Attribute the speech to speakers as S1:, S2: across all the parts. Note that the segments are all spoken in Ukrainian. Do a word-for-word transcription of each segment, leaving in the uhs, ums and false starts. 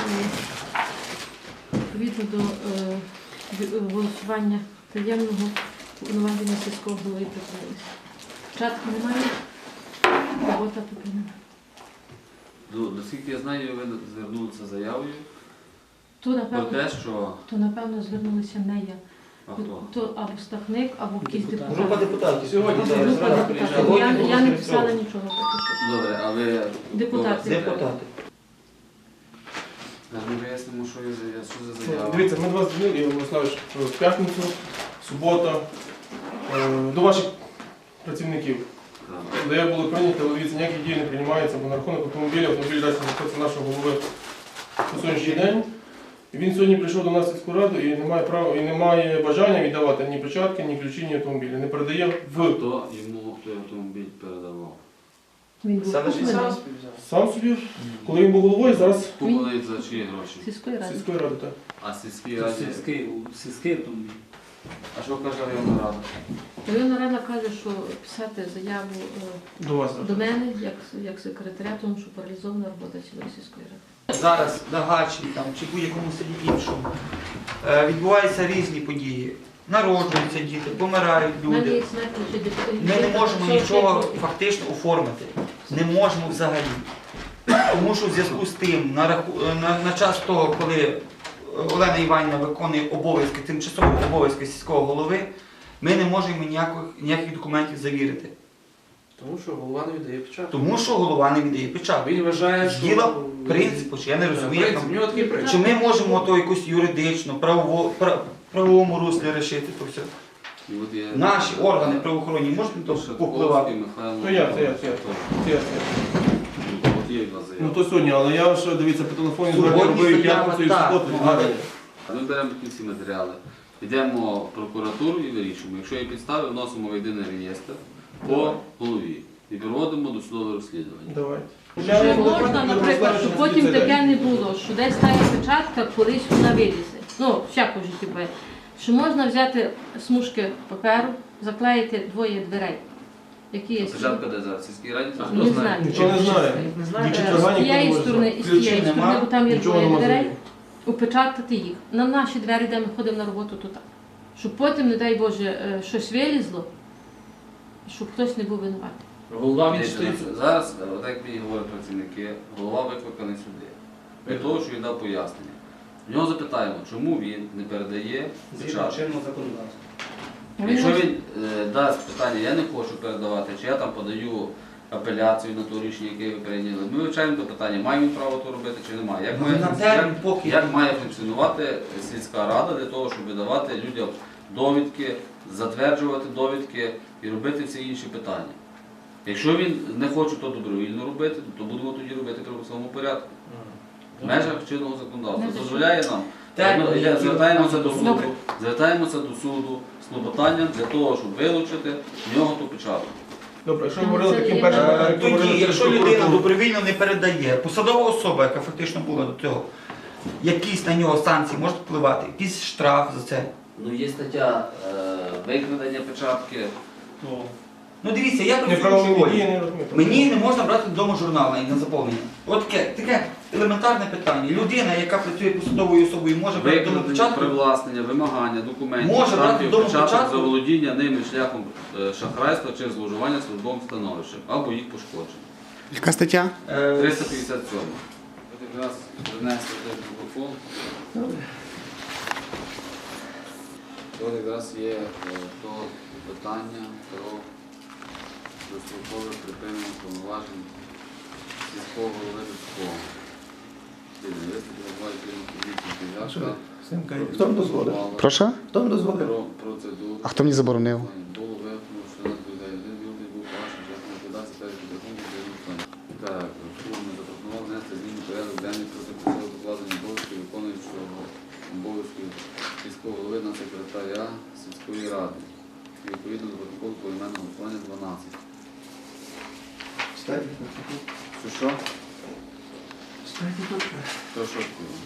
S1: відповідно до е, голосування таємного повноваження сільського голови припинилися. Початку немає, робота припинена.
S2: Наскільки я знаю, ви звернулися з заявою
S1: То, напевно,
S2: про те, що...
S1: то, напевно, звернулися не я.
S2: А хто?
S1: То або Стахник, або якийсь депутат.
S3: Група депутатів. Сьогодні
S1: Група депутатів. Я, я не писала нічого поки що.
S2: Добре, а ви...
S1: Депутати.
S3: Депутати.
S2: Ми вияснимо, що є за- що за заява.
S4: Дивіться, ми до вас дзвонили, Ігор Мирославович, в п'ятницю, субота, е, до ваших працівників.
S2: Так.
S4: Де були прийняті, але дивіться, ніякі дії не приймаються, бо на рахунок автомобіля, автомобіль дасть знаходиться нашого голови по сьогоднішній день. І він сьогодні прийшов до нас в сільську раду і не має права, і не має бажання віддавати ні печатки, ні ключі, ні автомобілі. Не передає в
S2: Хто йому той автомобіль передавав?
S1: Він був
S3: Саме ж і
S1: куплений
S3: сам
S4: сам собі, коли він був головою, зараз
S2: Купили за чиї гроші?
S1: сільської ради.
S4: сільської ради. Так.
S2: А сільській раді?
S5: Сільський, сільський автомобіль.
S2: А що каже районна рада?
S1: Районна рада каже, що писати заяву е,
S4: До вас.
S1: до мене, як, як секретаря, тому що паралізована робота цілої сільської ради.
S3: зараз на Гачі там, чи будь-якому селі іншому е, відбуваються різні події. Народжуються діти, помирають
S1: У мене
S3: люди.
S1: є смерть ще депутатів.
S3: Ми не можемо нічого фактично оформити. Не можемо взагалі. Тому що в зв'язку з тим, на, раху... на, на час того, коли Олена Іванівна виконує обов'язки, тимчасові обов'язки сільського голови, ми не можемо ніяких, ніяких документів завірити.
S6: Тому що голова не віддає печатку.
S3: Тому що голова не віддає печатку.
S6: Він вважає, що...
S3: Діло принципу, чи я не розумію, як
S6: Принцип,
S3: там-
S6: в нього такий принцип.
S3: чи ми можемо то якось юридично, правово, пра- правовому руслі рішити то все.
S2: І от є-
S3: Наші органи правоохоронні можуть то
S2: Шатковський,
S3: впливати?
S2: Михайло.
S4: То я, це я, це я. Це я, це я.
S2: От є від вас заява.
S4: Ну то сьогодні, але я ж, дивіться, по телефоні
S3: Сьогодні
S4: звернув робив
S3: заява,
S4: п'ятницю і
S3: так,
S4: суботу.
S3: ну, але-
S2: Ми беремо такі всі матеріали, йдемо в прокуратуру і вирішуємо. Якщо є підстави, вносимо в єдиний реєстр по голові і проводимо досудове розслідування.
S4: Давайте.
S1: Чи можна, наприклад, щоб потім таке не було, що десь стає печатка, колись вона вилізе. Ну, всяко в житті буває. Що можна взяти смужки паперу, заклеїти двоє дверей, які є.
S2: Печатка де зараз? В сільській раді?
S1: Не знаю.
S4: Нічого не знаю.
S3: Не
S1: Е,
S3: знаю.
S4: Ні,
S1: З
S4: четверга ніхто не
S1: тієї
S4: може
S1: сторони
S4: знати.
S1: і з тієї
S3: Ключів
S1: сторони,
S3: нема,
S1: бо там є
S4: нічого
S1: двоє
S4: нема
S1: дверей,
S4: завіру.
S1: упечатати їх. На наші двері, де ми ходимо на роботу, то так. Щоб потім, не дай Боже, е, щось вилізло, щоб хтось не був винуватий.
S6: Голова він
S2: Дивіться,
S6: стоїть.
S2: зараз, от як мені говорять працівники, голова викликаний сюди. Для того, що він дав пояснення. В нього запитаємо, чому він не передає печатку.
S3: чинного законодавства.
S2: Якщо він е, дасть питання, я не хочу передавати, чи я там подаю апеляцію на то рішення, яке ви прийняли, ми вивчаємо це питання, має він право то робити чи немає. Як має,
S3: На
S2: функці-
S3: термін,
S2: як,
S3: поки
S2: як має функціонувати сільська рада для того, щоб видавати людям довідки, затверджувати довідки і робити всі інші питання. Якщо він не хоче то добровільно робити, то будемо тоді робити в правовому порядку. В межах чинного законодавства.
S1: Межах.
S2: Дозволяє нам.
S3: Так,
S2: Ми
S3: які
S2: звертаємося до суду,
S1: Добре.
S2: звертаємося до суду з клопотанням для того, щоб вилучити в нього ту печатку.
S4: Добре, якщо ви
S1: Це
S4: говорили
S1: є
S4: таким першим,
S1: Е,
S4: як ви говорили
S3: Тоді,
S4: через
S3: якщо людина
S4: прокуратуру.
S3: добровільно не передає, посадова особа, яка фактично була до цього, якісь на нього санкції можуть впливати, якийсь штраф за це.
S2: Ну, є стаття е, викрадення печатки.
S3: Ну дивіться, я працюю в
S4: Неправомірні дії
S3: школі.
S4: не розумію.
S3: Мені не можна брати додому журнал на на заповнення. От таке, таке елементарне питання. Людина, яка працює посадовою особою, може брати додому
S2: Викрадення,
S3: печатку.
S2: привласнення, вимагання документів,
S3: Може брати
S2: штампів,
S3: вдома
S2: печаток
S3: печатку?
S2: за володіння ними шляхом е, шахрайства чи зловживання службовим становищем або їх пошкодження.
S7: Яка стаття?
S3: Е,
S2: триста п'ятдесят сім. От якраз принесли той протокол. От якраз є е, то питання про дострокове припинення повноважень сільського голови людського.
S7: Хто вам дозволив? Прошу?
S2: Хто вам дозволив? Про процедуру.
S7: А хто мені заборонив?
S2: Було виявлено, що нас дозволяє один білий був вашим часом ліквідації перед підрахунком для виконання. Так, суд не запропонував внести зміни в порядок денний проти присягу покладення обов'язків виконуючого обов'язків сільського голови на секретаря сільської ради. І відповідно до протоколу поіменного голосування дванадцять. Що що? Що що?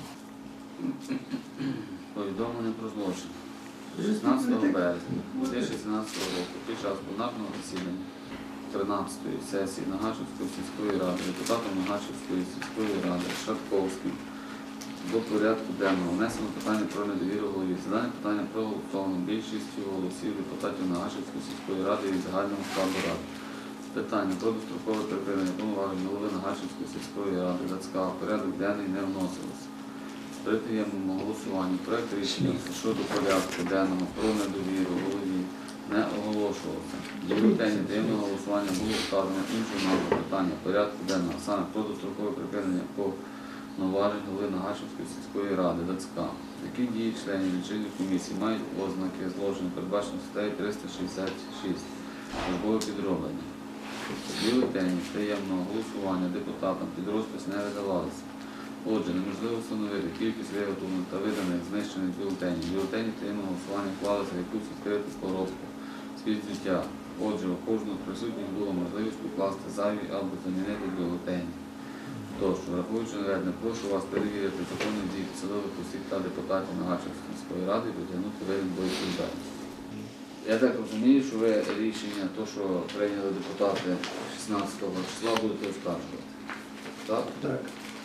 S2: Повідомлення про злочин. шістнадцятого березня дві тисячі сімнадцятого року під час пленарного засідання тринадцятої сесії Нагашівської сільської ради депутатом Нагашівської сільської ради Шатковським до порядку денного внесено питання про недовіру голові. Це дане питання проголосовано більшістю голосів депутатів Нагашівської сільської ради і загального складу ради. Питання про дострокове припинення повноважень голови Нагашівської сільської ради ЗАЦК в порядок денний не вносилось. При таємному голосуванні проект рішення щодо порядку денного про недовіру голові не оголошувався. До бюлетені таємного голосування було вказано іншу назву питання порядку денного, саме про дострокове припинення повноважень голови Нагашівської сільської ради ЗАЦК. Які дії членів лічильної комісії мають ознаки злочину, передбачено статтею триста шістдесят шість службове підроблення. Бюлетені таємного голосування депутатам під розпис не видавалися. Отже, неможливо встановити кількість виготовлених та виданих знищених бюлетенів. Бюлетені таємного голосування вклалися в якусь відкриту коробку з-під взуття. Отже, у кожного з присутніх було можливість укласти зайві або замінити бюлетені. Тож, враховуючи наведене, прошу вас перевірити законні дії посадових осіб та депутатів Нагашівської міської ради і притягнути винен до відповідальності. Я так розумію, що ви рішення, то, що прийняли депутати шістнадцятого числа, будете оскаржувати. Так?
S8: Так.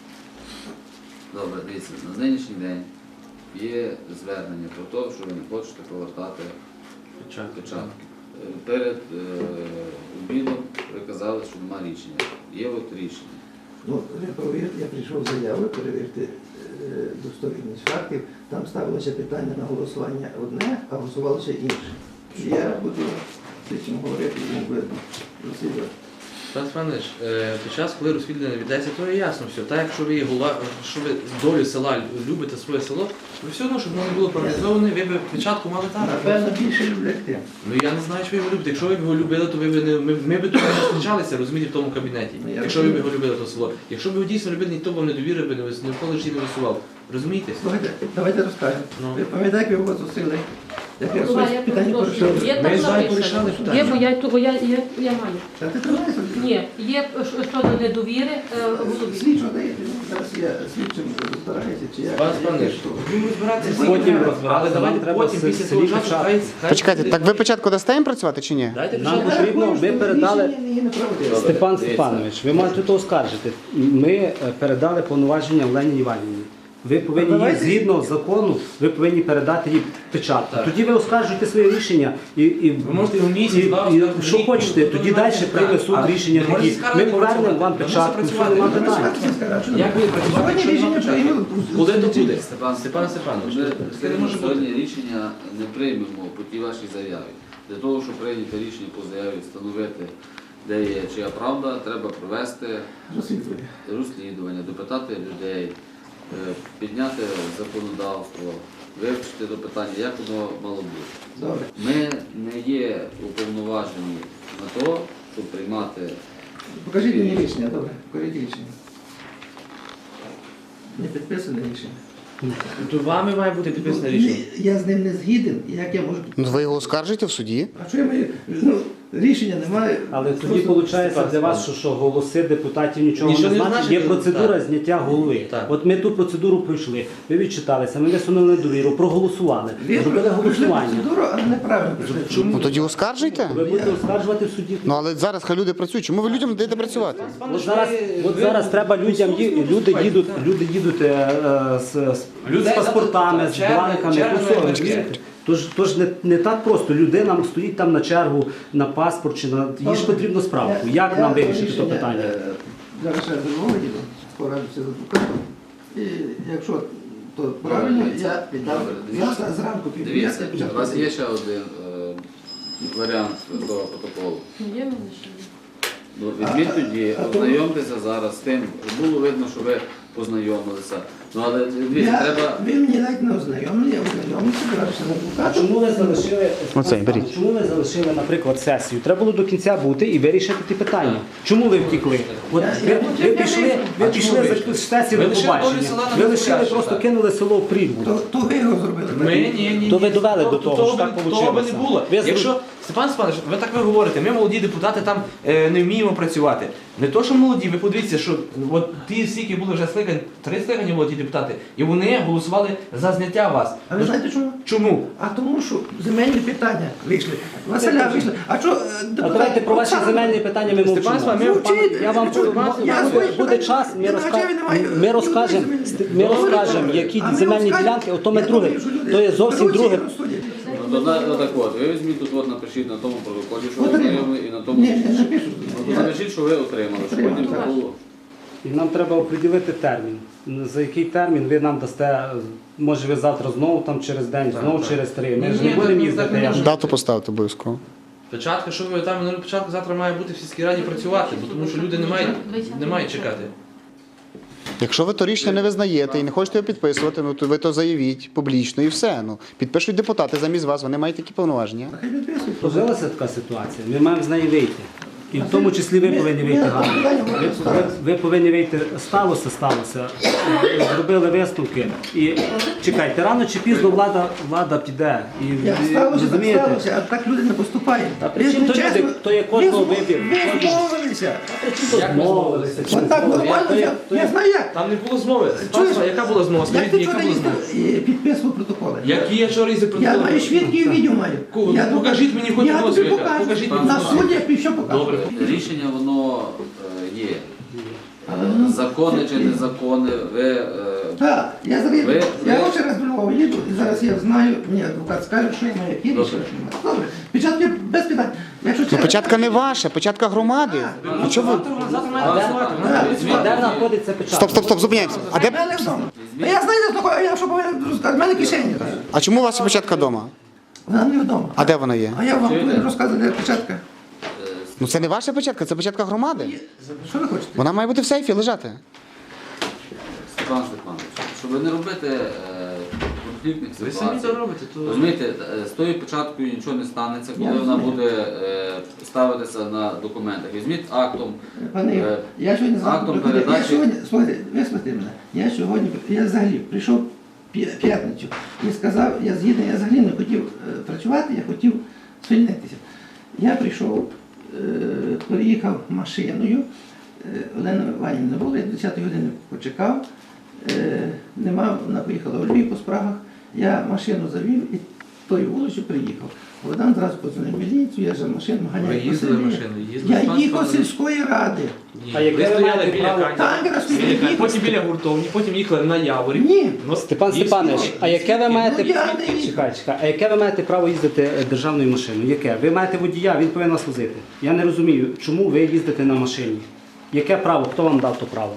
S2: Добре, дивіться, на нинішній день є звернення про те, що ви не хочете повертати печатки. Е, Перед е, обідом ви казали, що немає рішення. Є от рішення.
S8: Ну, ви провірте, я прийшов з заявою, перевірте е, достовірність фактів. Там ставилося питання на голосування одне, а голосувалося інше. І я буду з цим говорити, і він буде розслідувати.
S6: Пан Степанович, е, під час, коли розслідування віддається, то є ясно все. Так, якщо ви є голова, що ви долю села любите своє село, ви все одно, щоб воно не було приватизоване, ви б печатку мали там.
S8: Напевно, більше люблять тим.
S6: Ну я не знаю, що ви його любите. Якщо ви б його любили, то ви б не ми, ми б тут не зустрічалися, розумієте, в тому кабінеті.
S8: Ну, я
S6: Якщо ви б
S8: розумію.
S6: його любили, то село. Якщо б його дійсно любили, ніхто б вам не довірив би, не вис- ніколи ж і не висував. Розумієте?
S8: Слухайте, давайте розкажемо.
S6: Ну.
S8: Ви пам'ятаєте, як ви його зустріли? Як я
S1: Голова,
S8: щось
S1: я
S8: питання
S1: перепрошую.
S8: порішав?
S1: Є
S6: Ми
S1: там
S6: з вами
S1: написано.
S6: порішали питання.
S1: Є, бо я, бо я, я, я маю.
S8: Та ти тримай собі.
S1: Ні, є що- щодо недовіри е, голові.
S8: Слідчо даєте, ну, зараз я слідчим розбираюся, чи я...
S6: Пан Степанович, будемо розбиратися потім, але давайте
S5: треба
S6: потім,
S5: с-
S6: після
S5: селі
S6: того часу,
S5: печатку.
S6: хай... хай-
S7: Почекайте, так ви початку дасте їм працювати чи ні?
S6: Дайте
S5: Нам
S6: печатку.
S5: потрібно, ми передали,
S8: Рішення її не правдиве.
S2: Добре.
S5: Степан
S2: дивіться.
S5: Степанович, ви маєте то оскаржити. Ми е, передали повноваження Олені Іванівні. Ви повинні їй,
S8: Давайте-
S5: згідно закону, ви повинні передати їй печатку.
S6: Так.
S5: Тоді ви оскаржуєте своє рішення і, і,
S6: Ви можете його місяць,
S5: і,
S6: два,
S5: і
S6: оскаржити,
S5: що
S6: рік,
S5: хочете,
S6: ніхто
S5: тоді
S6: не
S5: далі
S6: має
S5: прийме
S6: права.
S5: суд
S6: А
S5: рішення
S6: ви можете
S5: такі.
S6: скаржити,
S5: Ми повернемо
S6: працювати.
S5: вам
S6: Ви можете
S5: печатку, все
S6: працювати.
S5: нема
S6: Ви
S5: питань.
S6: Як ви працювати,
S8: Сьогодні
S6: якщо
S8: рішення
S6: нема печатки?
S8: прийняли.
S6: Куди то буде?
S2: Степан
S6: Степан Степанович,
S2: Ми
S6: це не може
S2: сьогодні
S6: бути.
S2: рішення не приймемо по тій вашій заяві. Для того, щоб прийняти рішення по заяві, встановити, де є чия правда, треба провести
S8: Розслідування.
S2: розслідування, допитати людей, е, підняти законодавство, вивчити до питання, як воно мало бути.
S8: Добре.
S2: Ми не є уповноважені на то, щоб приймати.
S8: Покажіть мені рішення, добре, покажіть рішення. Не підписане рішення.
S6: То вами має бути підписане рішення.
S8: Ні, я з ним не згіден, як я можу...
S7: Ну ви його оскаржите в суді?
S8: А що я маю? Ну, рішення немає.
S5: Але тоді
S8: Просто-
S5: виходить для вас, що, що голоси депутатів нічого,
S6: Нічого
S5: не
S6: не
S5: значить.
S6: значить,
S5: Є процедура
S6: так.
S5: зняття голови.
S6: Так.
S5: От ми ту процедуру пройшли, ви відчиталися, ми висунули недовіру, проголосували,
S8: Ви
S5: зробили
S8: пройшли
S5: голосування.
S8: процедуру, але неправильно пройшли.
S7: Ну тоді оскаржуйте.
S5: Ви будете оскаржувати в суді.
S7: Ну але зараз хай люди працюють. Чому ви людям не даєте працювати?
S5: От зараз, от зараз треба людям ї- люди їдуть, люди їдуть е, е, з, з,
S6: Людей
S5: з паспортами, з
S6: черги-
S5: бланками,
S6: черги
S5: то все,
S6: великі.
S5: розумієте? Тож, тож не, не так просто. Людина стоїть там на чергу на паспорт чи на їй ж потрібно справку. Як
S8: Я-
S5: нам
S8: я
S5: вирішити це
S8: рішення,
S5: питання?
S8: е, Зараз ще до Львова їду, порадуся з адвокатом. І якщо то правильно, я піддам.
S2: Добре, дивіться.
S8: Завтра зранку піду.
S2: Дивіться,
S8: я
S2: у вас є ще один е, варіант до протоколу.
S1: Є в мене ще.
S2: Ну, візьміть
S8: А-
S2: тоді,
S8: а то-
S2: ознайомтеся зараз з тим. Було видно, що ви познайомилися. Ну, але дивіться,
S8: Я,
S2: треба.
S8: ви мені навіть не ознайомлені, я ознайомився, порадився з
S5: А
S8: адвокатом.
S5: чому ви залишили
S7: Оцей, беріть.
S5: чому ви залишили, наприклад, сесію? Треба було до кінця бути і вирішити ті питання. Чому ви втікли? От
S8: Я-
S5: ви,
S8: я-
S5: ви
S8: я
S5: пішли,
S8: вийшов.
S5: ви
S6: А
S5: пішли
S6: чому ви
S5: за
S6: вийшли?
S5: сесію
S6: Ви
S5: до
S6: лишили долю
S5: побачення.
S6: села на
S5: Ви лишили,
S6: Миколаївщині,
S5: просто
S6: так.
S5: кинули село в прірву.
S8: То, то ви його зробили.
S6: Ми, ні, ні,
S5: То ви
S6: ні.
S5: довели до
S6: То-
S5: того,
S6: того
S5: що так
S6: би-
S5: получилося.
S6: Того би не було.
S5: Ви зру-
S6: Якщо, Степан Степанович, ви так ви говорите, ми молоді депутати там е, не вміємо працювати. Не то, що молоді, ви подивіться, що от ті, скільки були вже скликань, три скликання було ті депутати. І вони голосували за зняття вас.
S8: А ви знаєте чому?
S6: Чому?
S8: А тому, що земельні питання вийшли. Василя вийшли. А що,
S5: А давайте про ваші земельні питання ми мовчимо.
S6: Степан Сван, ми-
S8: Мовчіть.
S5: Я вам
S8: Я
S5: буде-
S8: свої-
S5: буде час, ми,
S8: Я
S5: розка...
S8: навчаю, немає-
S5: ми розкажемо, ми розкажемо, які
S8: А ми
S5: земельні
S8: розкажемо.
S5: ділянки, ото ми
S8: Я
S5: друге.
S8: думаю, що люди
S5: То є зовсім
S8: беруть
S5: друге.
S8: і розсудять.
S2: Ну, то на- отак от, ви візьміть тут, от напишіть на тому протоколі, що ви
S8: Отримав.
S2: отримали, і на тому.
S8: Ні, не напишу.
S2: Ну, то
S8: Я-
S2: напишіть, що ви отримали, щоб
S8: Отримав,
S2: потім
S8: так.
S2: це було.
S5: І нам треба оприділити термін. За який термін ви нам дасте, може ви завтра знову там через день,
S6: Так,
S5: знову
S6: так.
S5: через три. Ми
S6: Ні,
S5: ж
S6: ні,
S5: не будемо
S6: так-
S5: їздити.
S6: так не
S5: я ж-
S6: може.
S7: Дату поставити обов'язково.
S6: Печатка, що ви там минулі печатка завтра має бути в сільській раді працювати, бо тому що люди не мають, не мають чекати.
S7: Якщо ви то рішення не визнаєте і не хочете його підписувати, ну то ви то заявіть публічно і все. Ну, підпишуть депутати замість вас, вони мають такі повноваження.
S8: Хай підписують.
S5: Сложилася така ситуація, ми маємо з неї вийти. І в тому числі ви
S8: Ми-
S5: повинні
S8: ми-
S5: вийти
S8: ми-
S5: гарно.
S8: питання
S5: Ви,
S8: можемо
S5: ви,
S8: ставити.
S5: ви повинні вийти, сталося, сталося, зробили висновки. І чекайте, рано чи пізно влада, влада піде. І,
S8: Як
S5: і-
S8: сталося, так
S5: розумієте?
S8: сталося, а так люди не поступають.
S5: Та при чому
S8: Ви
S5: то
S8: чесно-
S5: люди? То є кожного
S8: ви-
S5: вибір.
S8: Ви змовилися.
S6: Як ми змовилися?
S8: От так нормально,
S5: то є-
S8: я-
S5: то є-
S8: я знаю як.
S6: Там не було змови.
S8: Чуєш?
S6: Панство, яка була змова?
S8: Як
S6: Скажіть,
S8: ти
S6: мені, яка
S8: вчора
S6: була змова?
S8: їздив і підписував протоколи?
S6: Які я вчора їздив
S8: Я
S6: протоколи?
S8: маю свідки і відео маю.
S6: Ку-
S8: Я
S6: покажіть мені хоч
S8: я
S6: одного
S8: тобі
S6: свідка.
S8: покажу.
S6: Покажіть
S2: мені
S8: На
S2: одного.
S8: суді я півщо покажу.
S6: Добре.
S2: Рішення воно е, є.
S8: Але воно-
S2: Закони чи незаконне, ви е,
S8: Так, я зараз,
S2: Ви-
S8: я
S2: ви-
S8: ще раз до Львова їду, і зараз я знаю, мені адвокат скаже, що я маю які
S2: Добре.
S8: рішення, що немає. Добре, печатки без питань. Якщо
S7: Ну,
S8: через-
S7: печатка не ваша, печатка громади. Ну, чого ви?
S6: Завтра, завтра має
S2: А,
S6: голосувати.
S2: так,
S6: Вона-
S2: візьміть.
S5: Де знаходиться печатка?
S7: Стоп, стоп, стоп, зупиняємося. А
S8: А
S7: де?
S8: в мене вдома. А я знаю, де знаходиться, я що повинен розказати, в мене кишені.
S7: А чому у вас печатка вдома?
S8: Вона не вдома.
S7: А де вона є?
S8: А я вам
S2: Чуєте?
S8: повинен розказати, де печатка.
S7: Ну це не ваша печатка, це печатка громади.
S8: Що ви хочете?
S7: Вона має бути в сейфі лежати.
S2: Степан Степанович, щоб не робити е, конфліктних
S6: Ви самі
S2: ситуацій.
S6: це робите, то...
S2: Розумієте, е, з тою печаткою нічого не станеться, коли
S8: Я
S2: вона
S8: розумію.
S2: буде е, ставитися на документах. Візьміть актом.
S8: Пане Ігор,
S2: Е,
S8: я сьогодні
S2: актом
S8: завтра приходив. Я
S2: передачі-
S8: сьогодні, слухайте, вислухайте мене. Я сьогодні, я взагалі прийшов п'я- п'ятницю і сказав, я згідний, я взагалі не хотів е, працювати, я хотів звільнитися. Я прийшов, е, приїхав машиною, е, Олена Іванівна не було, я до десятої години почекав, е, нема, вона поїхала у Львів по справах, я машину завів і тою вулицю приїхав. Богдан зразу подзвонив в міліцію, я за машину
S6: Ви
S8: ганяю. по
S6: їздили
S8: селі.
S6: машиною? Їздили
S8: Я
S6: з паспортом?
S8: їхав з сільської ради.
S6: Ні.
S5: А яке
S6: Ви
S5: ви
S6: стояли
S5: маєте
S6: біля
S5: право?
S6: Кані,
S8: Так, якраз
S6: біля
S8: біля
S6: Кані,
S8: Кані.
S6: потім біля гуртовні, потім їхали на Яворів.
S8: Ні.
S6: Ну,
S5: Степан
S6: є
S5: Степанович,
S6: свідки.
S5: а яке ви маєте
S8: Ну, я не-
S5: чекай, чекай, а яке ви маєте право їздити е, державною машиною? Яке? Ви маєте водія, він повинен вас возити. Я не розумію, чому ви їздите на машині? Яке право? Хто вам дав то право?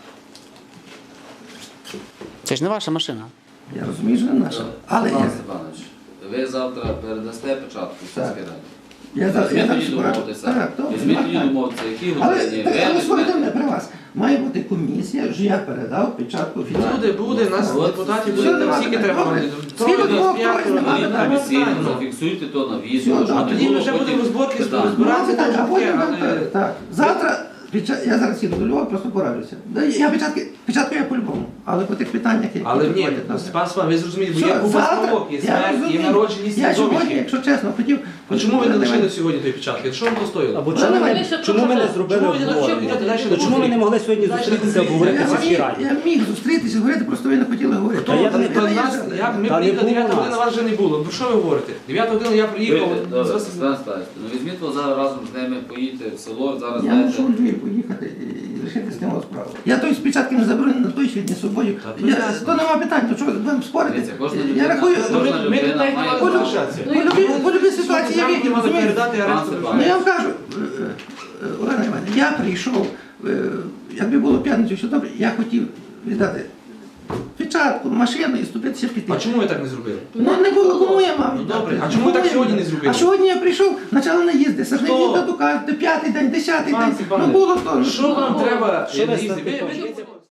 S7: Це ж не ваша машина.
S8: Я розумію, що не наша. Але
S2: Степан
S8: я,
S2: Степанович, ви завтра передасте печатку в
S8: Так.
S2: сільській раді.
S8: я, за- я
S2: Візьміть
S8: зараз
S2: тоді
S8: пораджу.
S2: домовитися.
S8: Так, добре,
S2: Візьміть
S8: так,
S2: тоді
S8: так.
S2: домовитися, які
S8: Але,
S2: годині.
S8: але
S2: ви
S8: слухайте мене
S2: візьмете.
S8: при вас. Має бути комісія, що я передав печатку офіційно.
S6: Буде, буде, нас
S2: От.
S6: депутатів
S8: Все,
S6: буде, там
S8: нема
S6: скільки
S8: питань.
S6: треба.
S8: Добре.
S6: Троє,
S8: Скільки двох,
S6: п'ятеро,
S8: троє, нема
S6: ні,
S8: питань.
S6: ні,
S2: Офіційно
S6: ні.
S2: зафіксуйте то на
S8: Все,
S2: відео, щоб
S8: добре.
S2: не
S6: Тоді
S2: було
S6: вже
S2: потім
S6: будемо розборки,
S2: питань.
S6: розбиратися.
S8: Нема питань, а
S6: трошки,
S8: потім,
S6: але-
S8: так, так. Завтра, печа- я зараз їду до Львова, просто пораджуся. Да, Я печатки, печатку я по-любому, але по тих питаннях, які
S6: Але ні,
S8: приходять, добре.
S6: Степан Степанович, ви зрозумієте, бо
S8: Все,
S6: є купа
S8: завтра,
S6: справок, є
S8: я
S6: смерть, є
S8: розумію.
S6: народженість,
S8: Я
S6: є
S8: сьогодні,
S6: домішки.
S8: якщо чесно, хотів...
S6: А чому ви не лишили сьогодні тої печатки? Що вам то стоїло?
S5: Або
S8: Ну,
S5: чому,
S8: давай.
S5: ми, чому ми не зробили
S6: Чому ви не
S5: обговорення?
S6: навчили далі
S5: То чому ми не могли сьогодні
S6: Далі
S5: зустрітися,
S6: конфлікт.
S5: обговорити
S8: Я
S5: в сільській
S8: міг,
S5: раді?
S8: я міг зустрітися, говорити, просто ви не хотіли говорити.
S5: Та я
S6: Та
S5: не-
S6: то нас, я, ми
S5: Та не
S6: приїхали,
S5: було
S6: дев'ята
S5: нас.
S6: година, вас вже не було. Про що ви говорите? дев'ята година я приїхав.
S2: Ви-
S6: з
S2: Добре,
S6: вас-
S2: Степан Степанович, ну візьміть вас зараз разом з ними, поїдьте в село, зараз
S8: Я
S2: знаєте.
S8: мушу у Львів поїхати і лишити з ним справу. Я той спочатку не заберу на той світ, ні з собою.
S6: Та то
S8: Я,
S6: ясно.
S8: то нема питань, то що ви будемо спорити?
S2: Дивіться, кожна
S8: Я
S2: людина-
S8: рахую,
S2: кожна
S6: Ми- Ми
S2: людина
S6: тут навіть не
S2: має
S6: мали
S2: право.
S6: залишатися.
S8: по любій, по любій ситуації я
S6: Сьогодні
S8: вийду,
S6: мали
S8: розумієте?
S6: передати
S2: Пан
S6: арешту.
S2: Степан.
S8: Ну я вам кажу, е, е, Олена Іванівна, я прийшов, е, якби було п'ятницю, все добре, я хотів віддати печатку, машину і ступитися піти.
S6: А чому ви так не зробили?
S8: Ну не було, кому я мав
S6: Ну,
S8: віддати?
S6: добре. А чому ви так
S8: Кому я
S6: сьогодні
S8: віддати?
S6: не зробили?
S8: А сьогодні я прийшов, почали наїзди,
S6: Хто?
S8: сажневі тату кажуть, п'ятий день, десятий
S6: Пан
S8: день,
S6: Степане,
S8: ну було то.
S6: Що вам треба?
S5: Що ви
S6: їздити?
S5: статите?
S6: Ви- ви-